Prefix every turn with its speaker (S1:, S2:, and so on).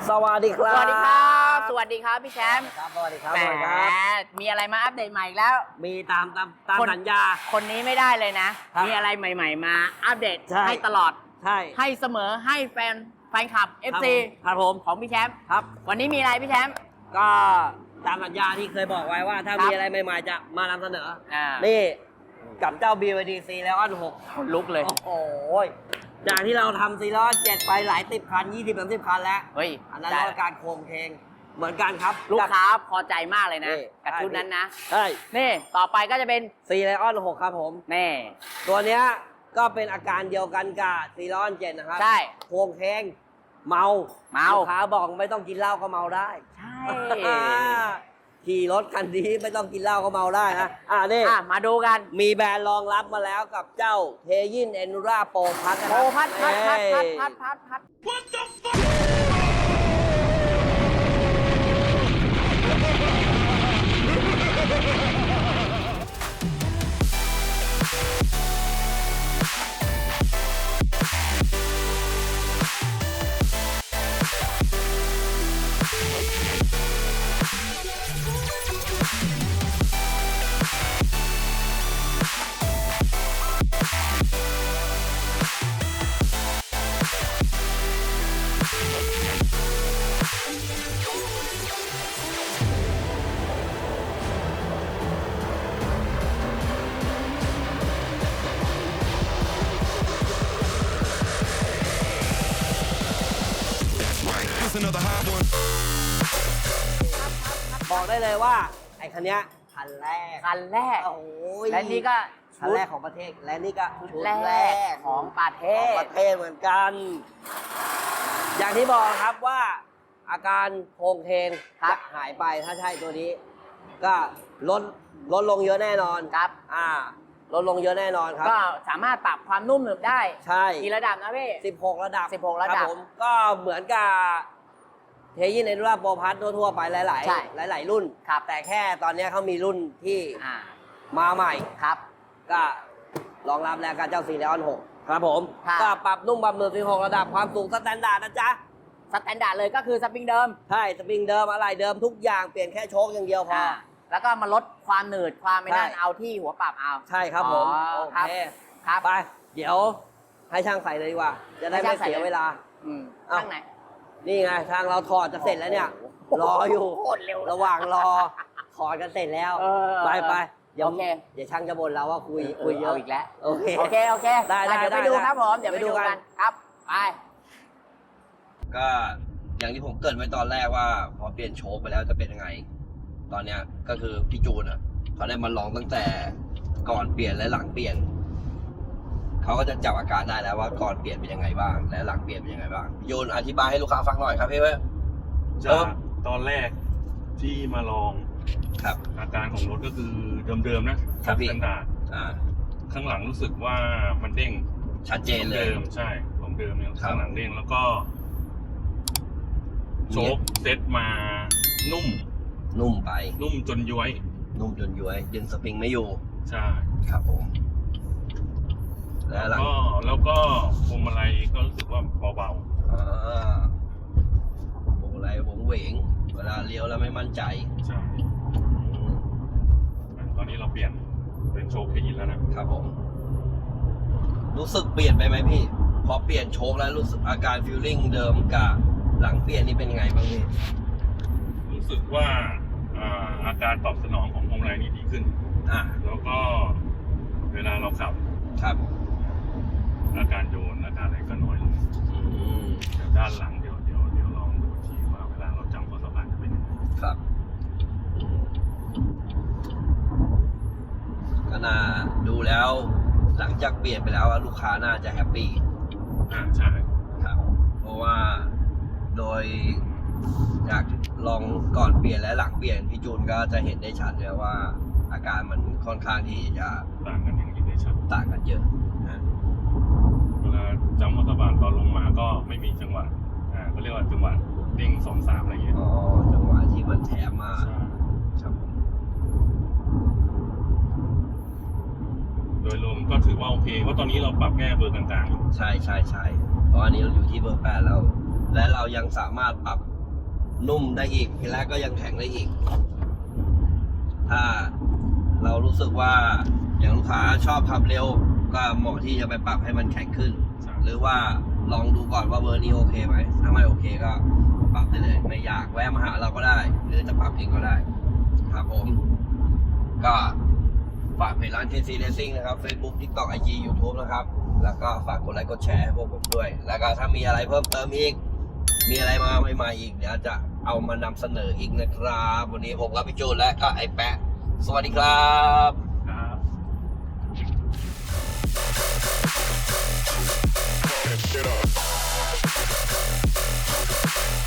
S1: สวัสดีครับ
S2: สวัสดีครับสวัสดีครับพี่แชมป์
S1: ครับสวัสดีครับ
S2: แหม
S1: สวัสดีครับ
S2: มีอะไรมาอัปเดตใหม่อีกแล้ว
S1: มีตามสัญญา
S2: คนนี้ไม่ได้เลยนะ
S1: ครับ
S2: มีอะไรใหม่ๆมาอัปเดต
S1: ใช่
S2: ให้ตลอด
S1: ใช่
S2: ให้เสมอให้แฟนคลับ FC
S1: ครับผม
S2: ของพี่แชมป์
S1: ครับ
S2: วันนี้มีอะไรพี่แชมป์
S1: ก็ตามสัญญาที่เคยบอกไว้ว่าถ้า
S2: ครับ
S1: มีอะไรใหม่ๆจะมานำเสนอ
S2: นี่
S1: นี่กับเจ้า BYD C แล้วอัน6
S2: คนลุกเลย
S1: โอ้โหจากที่เราทำซีล้อ7ไปหลาย10 คัน 20-30 คันแล้ว
S2: เฮ้ย
S1: อันนั้นเราการโครงเพลงเหมือนกันครับ
S2: ลูกค้าพอใจมากเลยนะ
S1: นี่
S2: กับชุดนั้นนะ
S1: ใช่
S2: นี่ต่อไปก็จะเป็น
S1: C แล้วอัน6ครับผม
S2: นี่
S1: ตัวเนี้ยก็เป็นอาการเดียวกันกับซีล้ออัน7นะครับ
S2: ใช่
S1: โครงเพลงเมา
S2: เมา
S1: ลูกค้าบอกไม่ต้องกินเหล้าก็เมาได้
S2: ใช่
S1: ขี่รถคันนี้ไม่ต้องกินเหล้าก็เมาได้นะนี่
S2: มาดูกัน
S1: มีแบรนด์รองรับมาแล้วกับเจ้าเทยินเอนูราโปรพัทนะค
S2: โอ้
S1: รับ
S2: พัด
S3: Another hot one.
S1: บอกได้เลยว่าไอ้คันเนี้ยคันแรก
S2: คันแรก
S1: โอ้ย
S2: และนี่ก็
S1: คันแรกของประเทศและนี่ก็ชุด
S2: แร
S1: แร
S2: ก
S1: ก
S2: ของประเท
S1: ของ
S2: ศ
S1: ประเทศเหมือนกัน อย่างที่บอกครับว่าอาการโครงเพลง
S2: ครับ
S1: จะหายไปถ้าใช่ตัวนี้ ก็ลดลงเยอะแน่นอน
S2: ครับ
S1: ลดลงเยอะแน่นอนครับ
S2: ก็สามารถปรับความนุ่มหนึบได้
S1: ใช่
S2: กี่ระดับนะพี่
S1: 16 ระดับ
S2: 16ระดับ
S1: คผมก็เหมือนกับเทยินเอนูราโปรพัททั่วๆไปหลาย
S2: ใช่
S1: ๆหลาย ๆ รุ่น
S2: ครับ
S1: แต่แค่ตอนนี้เขามีรุ่นที่
S2: อ่า
S1: มาใหม่
S2: ครับ
S1: ก็รองรับแล้วกับเจ้าซีเรียล6ครับผม
S2: ครับ
S1: ก็ปรับนุ่มปรับหนึบ16 ระดับความสูงสแตนดาร์ดนะจ๊ะ
S2: สแตนดาร์ดเลยก็คือสปริงเดิม
S1: ใช่สปริงเดิมอะไรเดิมทุกอย่างเปลี่ยนแค่โชคอย่างเดียวพอ
S2: แล้วก็มาลดความหนืดความไม่นั่น
S1: ใช่
S2: เอาที่หัวปรับเอา
S1: ใช่ครับผม
S2: อ๋อ
S1: โอ
S2: ครับ
S1: เค
S2: ครับ
S1: ไป เดี๋ยวให้ช่างใส่เลยดีกว่า จะได้
S2: ให้
S1: ไม่
S2: ช่างใส่
S1: เสีย
S2: เลย
S1: เวลา
S2: อืม
S1: เอ้า
S2: ข้างไหน
S1: นี่ไงทางเราถอดจะเสร็จแล้วเนี่ย รออยู่
S2: โคตรเร็ว
S1: ระหว่างรอถอดกันเสร็จแล้ว
S2: เออ
S1: ไปเดี๋ยว
S2: โอเค
S1: เดี๋ยวช่างจะบ่นเราว่าคุยเยอะ
S2: าอีกแล้ว
S1: โอเค
S2: โอเค
S1: ได้
S2: เดี๋ยวไป
S1: ได้
S2: ดู
S1: ได้
S2: ครับผมเดี๋ยว
S1: ไป
S2: ไป
S1: ดู
S2: ดู
S1: กั
S2: กัน นครับไป
S1: ก็อย่างที่ผมเกริดไว้ตอนแรกว่า พอเปลี่ยนโชคไปแล้วจะเป็นยังไง ตอนเนี้ยก็คือพี่จูนอ่ะเขาได้มาลองตั้งแต่ก่อนเปลี่ยนและหลังเปลี่ยนเขาก็จะจับอาการได้แล้วว่าก่อนเปลี่ยนเป็นยังไงบ้างและหลังเปลี่ยนเป็นยังไงบ้างพี่จูนอธิบายให้ลูกค้าฟังหน่อยครับพี่เว้ย
S3: จากตอนแรกที่มาลอง
S1: ครับ
S3: อาการของรถก็คือเดิมๆนะครับ
S1: พี่
S3: สแตนดาร์ด ข้างหลังรู้สึกว่ามันเด้ง
S1: ชัดเจนเลย
S3: เดิมใช่ของเดิมเนี่ย
S1: ครับ
S3: ข้างหลังเด้งแล้วก็โชคเซ็ตมานุ่ม
S1: นุ่มไป
S3: นุ่มจนย้วย
S1: นุ่มจนย้วยดึงสปริงไม่อยู่
S3: ใช่
S1: ครับผมและหลัง
S3: แล้วก็พวงมาลัยก็รู้สึกว่าเบา
S1: โอ้ไรวงเหวงเวลาเลี้ยวแล้วไม่มั่นใจ
S3: ๆใช่ตอนนี้เราเปลี่ยนเป็นโชคเคยินแล้วนะครับ
S1: ผม รู้สึกเปลี่ยนไปไหมพี่ พอเปลี่ยนโชคแล้วรู้สึกอาการฟีลลิ่งเดิมกับหลังเปลี่ยนนี่เป็นยังไงบ้างพี่
S3: รู้สึกว่าอาการตอบสนองของพวงมาลัยนี่ดีขึ้น แล้วก็เวลาเราขับ
S1: ครับ
S3: อาการโยนอาการอะไรก็น้อยลงเดี๋ยวด้านหลังเดี๋ยวลองดูทีว่าเวลาเราจำข้อสะพานจะเป็นยังไง
S1: ครับ ก็น่าดูแล้วหลังจากเปลี่ยนไปแล้วลูกค้าน่าจะแฮปปี้
S3: ใช่
S1: ครับ เพราะว่าโดยจากลองก่อนเปลี่ยนและหลังเปลี่ยนพี่จูนก็จะเห็นได้ชัดเลยว่า อาการมันค่อนข้างที่จะ
S3: ต่างกันอย่างนี้ได้ชัด
S1: ต่างกันเยอะนะ
S3: เวลาจำข้อสะพานตอนลงมาก็ไม่มีจังหวะเขาเรียกว่าจังหวะเด้ง2-3อะไรอย่างเงี้ย
S1: อ๋อจังหวะที่มันแถมมา
S3: ใช่
S1: ครับผม
S3: โดยรวมก็ถือว่าโอเคเพราะตอนนี้เราปรับแก้เบอร์ต่างๆอยู่
S1: ใช่เพราะอันนี้เราอยู่ที่เบอร์ 8แล้ว และเรายังสามารถปรับนุ่มได้อีกทีแรกก็ยังแข็งได้อีก ถ้าเรารู้สึกว่าอย่างลูกค้าชอบขับเร็ว ก็เหมาะที่จะไปปรับให้มันแข็งขึ้น หรือว่าลองดูก่อนว่าเบอร์นี้โอเคไหมถ้าไม่โอเคก็ปรับได้เลย ไม่อยากแวะมาหาเราก็ได้ หรือจะปรับเองก็ได้ ครับผม ก็ฝากเพจร้าน KC Racing นะครับ Facebook TikTok IG YouTube นะครับ แล้วก็ฝากกดไลค์กดแชร์ให้พวกผมด้วย แล้วก็ถ้ามีอะไรเพิ่มเติมอีก มีอะไรมาใหม่ๆอีกเดี๋ยวจะเอามานำเสนออีกนะครับ วันนี้ผมกับพี่จูนและก็ไอ้แปะ สวัสดีครับ
S3: ครับ
S4: Get up.